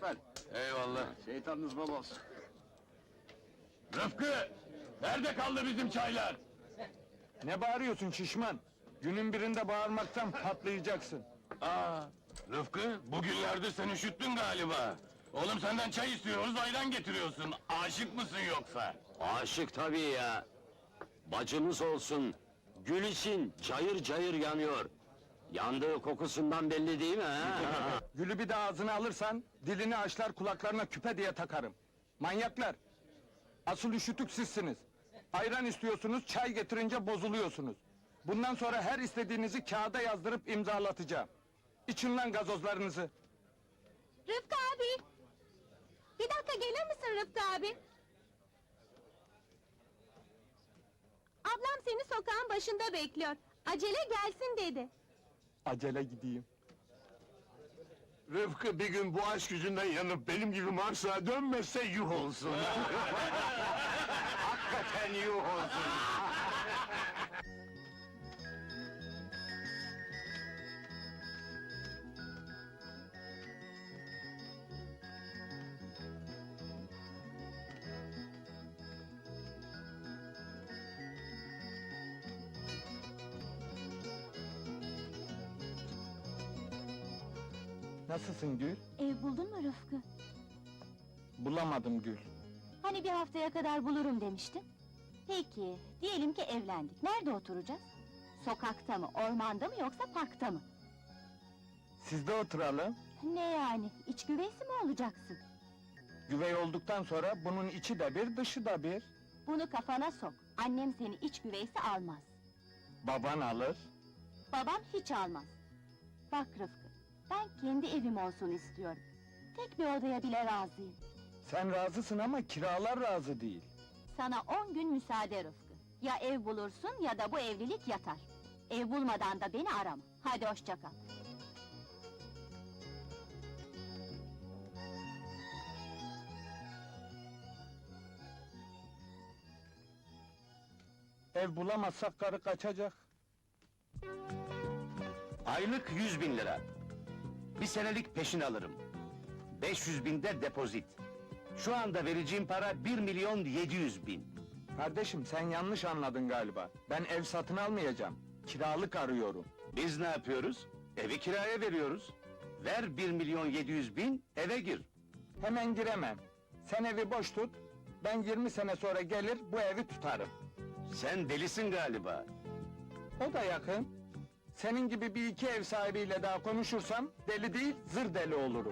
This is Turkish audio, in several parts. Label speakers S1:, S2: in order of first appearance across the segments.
S1: lütfen.
S2: Eyvallah.
S1: Şeytanınız bol olsun.
S2: Rıfkı! Nerede kaldı bizim çaylar?
S3: Ne bağırıyorsun şişman? Günün birinde bağırmaktan patlayacaksın.
S2: Rıfkı, bugünlerde sen üşüttün galiba. Oğlum senden çay istiyoruz, ayran getiriyorsun. Aşık mısın yoksa?
S4: Aşık tabii ya. Bacımız olsun. Gül için cayır cayır yanıyor. Yandığı kokusundan belli değil mi ha?
S3: Gülü bir de ağzına alırsan, dilini açlar kulaklarına küpe diye takarım. Manyaklar! Asıl üşütük sizsiniz. Ayran istiyorsunuz, çay getirince bozuluyorsunuz. Bundan sonra her istediğinizi kağıda yazdırıp imzalatacağım. İçin lan gazozlarınızı.
S5: Rıfkı abi! Bir dakika gelir misin Rıfkı abi? Ablam seni sokağın başında bekliyor. Acele gelsin dedi.
S3: Acele gideyim.
S2: Rıfkı bir gün bu aşk yüzünden yanıp benim gibi Mars'a dönmezse yuh olsun. Hakikaten yuh olsun.
S3: Nasılsın Gül?
S5: Ev buldun mu Rıfkı?
S3: Bulamadım Gül.
S5: Hani bir haftaya kadar bulurum demiştin? Peki, diyelim ki evlendik. Nerede oturacağız? Sokakta mı, ormanda mı yoksa parkta mı?
S3: Sizde oturalım.
S5: Ne yani, iç güveysi mi olacaksın?
S3: Güvey olduktan sonra bunun içi de bir, dışı da bir.
S5: Bunu kafana sok. Annem seni iç güveysi almaz.
S3: Baban alır.
S5: Babam hiç almaz. Bak Rıfkı, ben kendi evim olsun istiyorum. Tek bir odaya bile razıyım.
S3: Sen razısın ama kiralar razı değil.
S5: Sana 10 gün müsaade Rıfkı. Ya ev bulursun ya da bu evlilik yatar. Ev bulmadan da beni arama. Hadi hoşça kal.
S3: Ev bulamazsak karı kaçacak.
S4: Aylık 100.000 lira. Bir senelik peşin alırım. 500.000 de depozit. Şu anda vereceğim para 1.700.000.
S3: Kardeşim sen yanlış anladın galiba. Ben ev satın almayacağım. Kiralık arıyorum.
S4: Biz ne yapıyoruz? Evi kiraya veriyoruz. Ver 1.700.000, eve gir.
S3: Hemen giremem. Sen evi boş tut. Ben 20 sene sonra gelir bu evi tutarım.
S4: Sen delisin galiba.
S3: O da yakın. Senin gibi bir iki ev sahibiyle daha konuşursam deli değil zır deli olurum.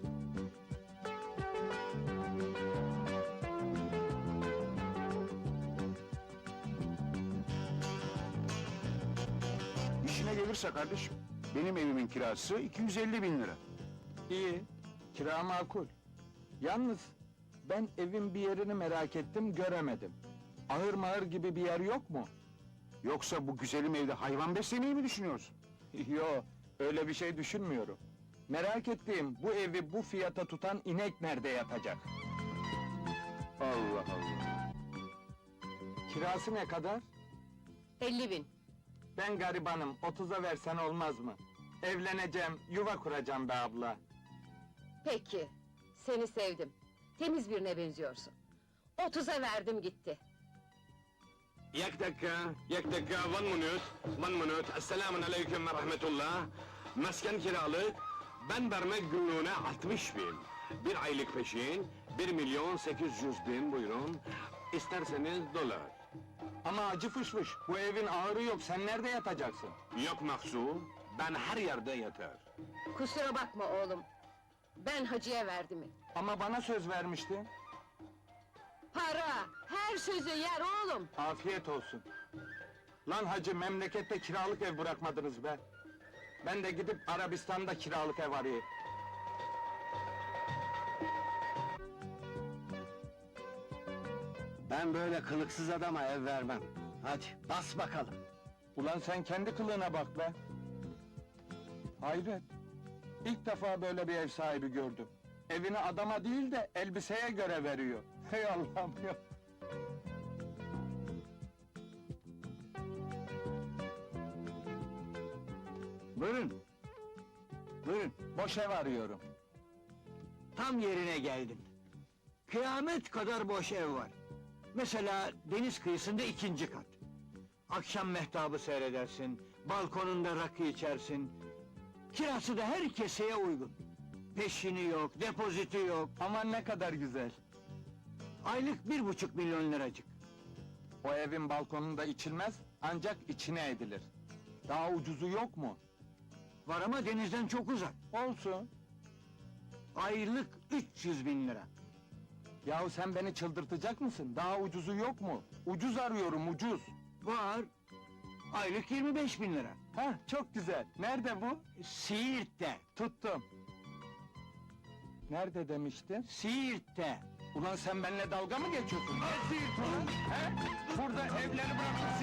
S2: İşine gelirse kardeşim, benim evimin kirası 250.000 lira.
S3: İyi. Kira makul. Yalnız ben evin bir yerini merak ettim göremedim. Ahır mahır gibi bir yer yok mu?
S2: Yoksa bu güzelim evde hayvan beslemeyi mi düşünüyorsun?
S3: Yo, öyle bir şey düşünmüyorum. Merak ettiğim bu evi bu fiyata tutan inek nerede yatacak?
S2: Allah Allah!
S3: Kirası ne kadar?
S6: 50.000.
S3: Ben garibanım, 30'a versen olmaz mı? Evleneceğim, yuva kuracağım be abla.
S6: Peki, seni sevdim. Temiz birine benziyorsun. 30'a verdim gitti.
S2: Yak dakika, one minute. Esselamun aleyküm ve rahmetullah. Mesken kiralık, ben vermek günlüğüne 60.000. Bir aylık peşin, 1.800.000 buyurun. İsterseniz dolar.
S3: Ama acı fışfış, bu evin ağırı yok, sen nerede yatacaksın?
S2: Yok Mahsu, ben her yerde yatar.
S6: Kusura bakma oğlum. Ben hacıya verdim.
S3: Ama bana söz vermiştin.
S6: Para, her sözü yer oğlum.
S3: Afiyet olsun. Lan hacı, memlekette kiralık ev bırakmadınız be. Ben de gidip Arabistan'da kiralık ev arayayım.
S4: Ben böyle kılıksız adama ev vermem. Hadi, bas bakalım.
S3: Ulan sen kendi kılığına bak be! Hayret! İlk defa böyle bir ev sahibi gördüm. Evini adama değil de elbiseye göre veriyor. Hey Allah'ım ya!
S4: Buyurun. Buyurun.
S3: Boş ev arıyorum.
S1: Tam yerine geldin. Kıyamet kadar boş ev var. Mesela deniz kıyısında 2. kat. Akşam mehtabı seyredersin, balkonunda rakı içersin. Kirası da her keseye uygun. Peşini yok, depoziti yok.
S3: Aman ne kadar güzel.
S1: Aylık 1,5 milyon liracık.
S3: O evin balkonunda içilmez, ancak içine edilir. Daha ucuzu yok mu?
S1: Var ama denizden çok uzak.
S3: Olsun.
S1: Aylık 300 bin lira.
S3: Yahu sen beni çıldırtacak mısın? Daha ucuzu yok mu? Ucuz arıyorum, ucuz.
S1: Var. Aylık 25 bin lira.
S3: Hah, çok güzel. Nerede bu?
S1: Siirt'te.
S3: Tuttum. Nerede demiştin?
S1: Siirt'te.
S3: Ulan sen benimle dalga mı geçiyorsun? Ne Siirt ulan? He? Burada evleri bırakıp